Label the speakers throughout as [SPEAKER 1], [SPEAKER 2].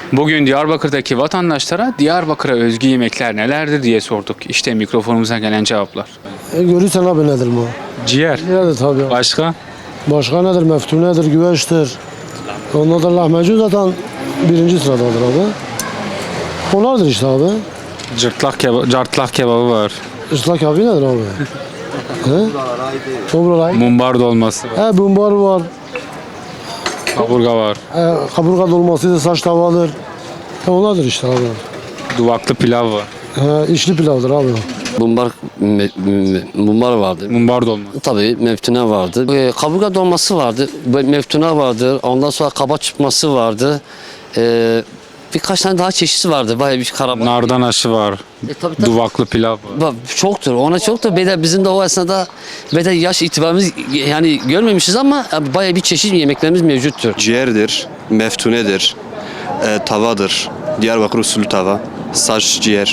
[SPEAKER 1] Bugün Diyarbakır'daki vatandaşlara Diyarbakır'a özgü yemekler nelerdir diye sorduk. İşte mikrofonumuza gelen cevaplar.
[SPEAKER 2] Görürsen abi nedir bu?
[SPEAKER 1] Ciğer.
[SPEAKER 2] Nedir tabii.
[SPEAKER 1] Başka?
[SPEAKER 2] Başka nedir? Meftunedir, güveçtir. Ondan da lahmacun zaten birinci sıradadır abi. Onlardır işte abi.
[SPEAKER 1] Cartlak kebabı var.
[SPEAKER 2] Islak abi nedir abi? He? Tobralay.
[SPEAKER 1] Mumbar dolması var.
[SPEAKER 2] He, bumbar var.
[SPEAKER 1] Kaburga var.
[SPEAKER 2] Kaburga dolmasıdır, saç tavadır. Onlardır işte abi.
[SPEAKER 1] Duvaklı pilav var.
[SPEAKER 2] İçli pilavdır abi.
[SPEAKER 3] Mumbar vardı.
[SPEAKER 1] Mumbar dolması.
[SPEAKER 3] Tabii meftune vardı. Kaburga dolması vardı. Meftune vardı. Ondan sonra kaba çıkması vardı. Birkaç tane daha çeşidi vardı. Bayağı bir karabaş.
[SPEAKER 1] Nardan aşı var.
[SPEAKER 3] Tabii.
[SPEAKER 1] Duvaklı pilav var.
[SPEAKER 3] Çoktur. Ona çok da beden bizim de o esnada beden yaş itibarımız yani görmemişiz ama bayağı bir çeşit yemeklerimiz mevcuttur.
[SPEAKER 4] Ciğerdir, meftunedir, tavadır, Diyarbakır usulü tava, saç ciğer.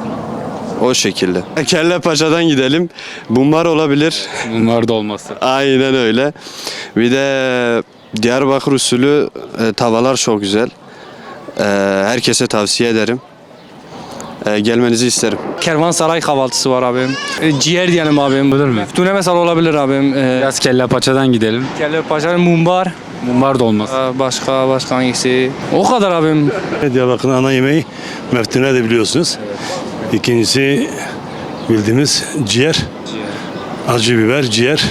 [SPEAKER 4] O şekilde. Kelle paçadan gidelim. Bunlar olabilir.
[SPEAKER 1] Mumbar dolması.
[SPEAKER 4] Aynen öyle. Bir de Diyarbakır usulü tavalar çok güzel. Herkese tavsiye ederim. Gelmenizi isterim.
[SPEAKER 5] Kervansaray kahvaltısı var abim. Ciğer diyelim abim.
[SPEAKER 1] Olur mu?
[SPEAKER 5] Tune mesela olabilir abim.
[SPEAKER 1] Biraz kelle paçadan gidelim.
[SPEAKER 5] Kelle paşa, mumbar.
[SPEAKER 1] Mumbar dolması.
[SPEAKER 5] Başka hangisi? O kadar abim.
[SPEAKER 6] Diyarbakır'ın ana yemeği meftune de biliyorsunuz. İkincisi bildiğimiz ciğer. Acı biber, ciğer.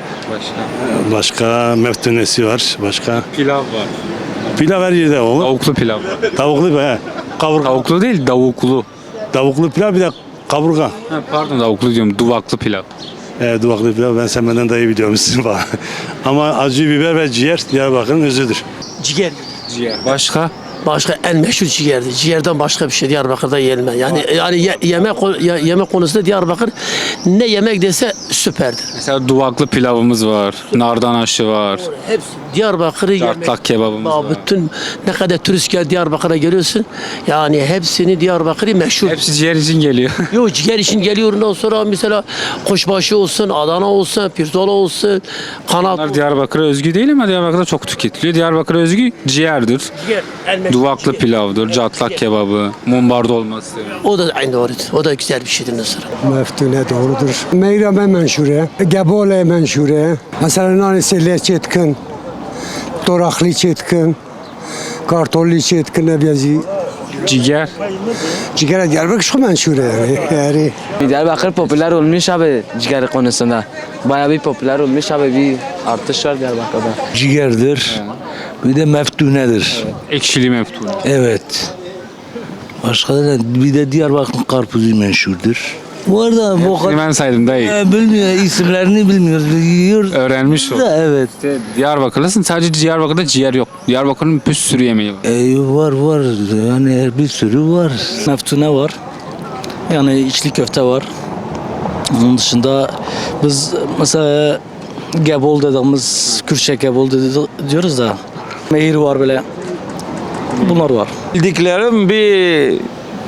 [SPEAKER 6] Başka meftunesi var. Başka
[SPEAKER 1] Pilav var.
[SPEAKER 6] pilav her yerde olur.
[SPEAKER 1] Tavuklu pilav var.
[SPEAKER 6] Tavuklu he. Kaburga.
[SPEAKER 1] Tavuklu değil, davuklu.
[SPEAKER 6] Tavuklu pilav bir de kaburga.
[SPEAKER 1] Ha, pardon davuklu diyorum. Duvaklı pilav.
[SPEAKER 6] Duvaklı pilav ben sen benden daha iyi biliyormuşsun falan. Ama acı biber ve ciğer Diyarbakır'ın özüdür.
[SPEAKER 7] Ciğer.
[SPEAKER 1] Ciğer. Başka?
[SPEAKER 7] Başka en meşhur ciğerdir. Ciğerden başka bir şey Diyarbakır'da yenmez. Yani yemek konusunda Diyarbakır ne yemek dese süperdir.
[SPEAKER 1] Mesela duvaklı pilavımız var. Nardan aşı var.
[SPEAKER 7] Hepsi Diyarbakır'ı yemek.
[SPEAKER 1] Cartlak kebabımız var.
[SPEAKER 7] Bütün ne kadar turist gel Diyarbakır'a geliyorsun. Yani hepsini Diyarbakır'ı meşhur.
[SPEAKER 1] Hepsi ciğer için geliyor.
[SPEAKER 7] Yok ciğer için geliyor ondan sonra mesela kuşbaşı olsun, Adana olsun, pirzola olsun, kanat
[SPEAKER 1] Bunlar
[SPEAKER 7] olsun.
[SPEAKER 1] Diyarbakır'a özgü değil ama Diyarbakır'da çok tüketiliyor. Diyarbakır'a özgü ciğerdir.
[SPEAKER 7] Ciğer, en meşhur
[SPEAKER 1] Duvaklı
[SPEAKER 7] ciğer.
[SPEAKER 1] pilavdır, cartlak kebabı, mumbar dolması.
[SPEAKER 7] O da aynı doğrudur. O da güzel bir şeydir mesela.
[SPEAKER 2] Meftune doğrudur. Meyrame menşure, gebole menşure. Mesela nanesiyle çetkin, doraklı çetkin, kartolli çetkin nebyazi.
[SPEAKER 1] Ciğer.
[SPEAKER 2] Ciğer Diyarbakır çok menşure yani.
[SPEAKER 8] Diyarbakır popüler olmuş abi ciğer konusunda. Bayağı bir popüler olmuş abi bir artış var Diyarbakır'da.
[SPEAKER 9] Ciğerdir. Bir de meftunedir.
[SPEAKER 1] Ekşili meftune.
[SPEAKER 9] Evet. Başka da bir de Diyarbakır karpuzu meşhurdur. Bu arada bu
[SPEAKER 1] Hepsini ben saydım dayı.
[SPEAKER 9] bilmiyor isimlerini bilmiyoruz. Yiyor
[SPEAKER 1] Öğrenmiş ol.
[SPEAKER 9] da evet.
[SPEAKER 1] Diyarbakırlısın sadece Diyarbakır'da ciğer yok. Diyarbakır'ın bir sürü yemeği var.
[SPEAKER 9] Var yani bir sürü var.
[SPEAKER 5] Meftune var. Yani içli köfte var. Onun dışında biz mesela gebol dediğimiz, Kürtçe gebol diyoruz da. Mehir var böyle. Bunlar var.
[SPEAKER 10] Bildiklerim bir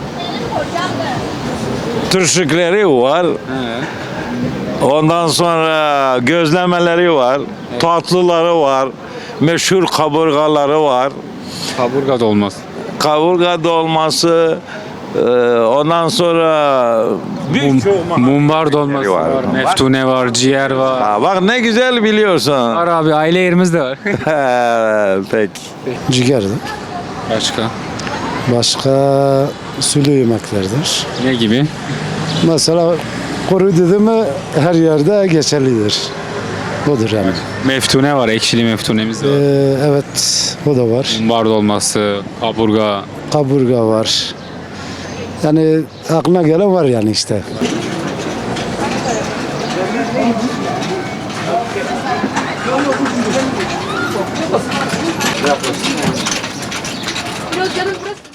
[SPEAKER 10] turşukları var. Ondan sonra gözlemeleri var. Tatlıları var. Meşhur kaburgaları var.
[SPEAKER 1] Kaburga dolması.
[SPEAKER 10] Kaburga dolması. Ondan sonra
[SPEAKER 1] Mumbar dolması var. Meftune var, ciğer var.
[SPEAKER 10] Ha, bak ne güzel biliyorsun.
[SPEAKER 1] Var abi aile yerimiz de var.
[SPEAKER 10] Peki.
[SPEAKER 2] Ciğerdir.
[SPEAKER 1] Başka?
[SPEAKER 2] Başka sulu yemeklerdir.
[SPEAKER 1] Ne gibi?
[SPEAKER 2] Mesela kuru dedi mi her yerde geçerlidir. Odur yani.
[SPEAKER 1] Meftune var, ekşili meftunemiz var.
[SPEAKER 2] Evet, o da var.
[SPEAKER 1] Mumbar dolması, kaburga.
[SPEAKER 2] Kaburga var. Yani aklına gelen var yani işte.
[SPEAKER 11] Biraz canım burası.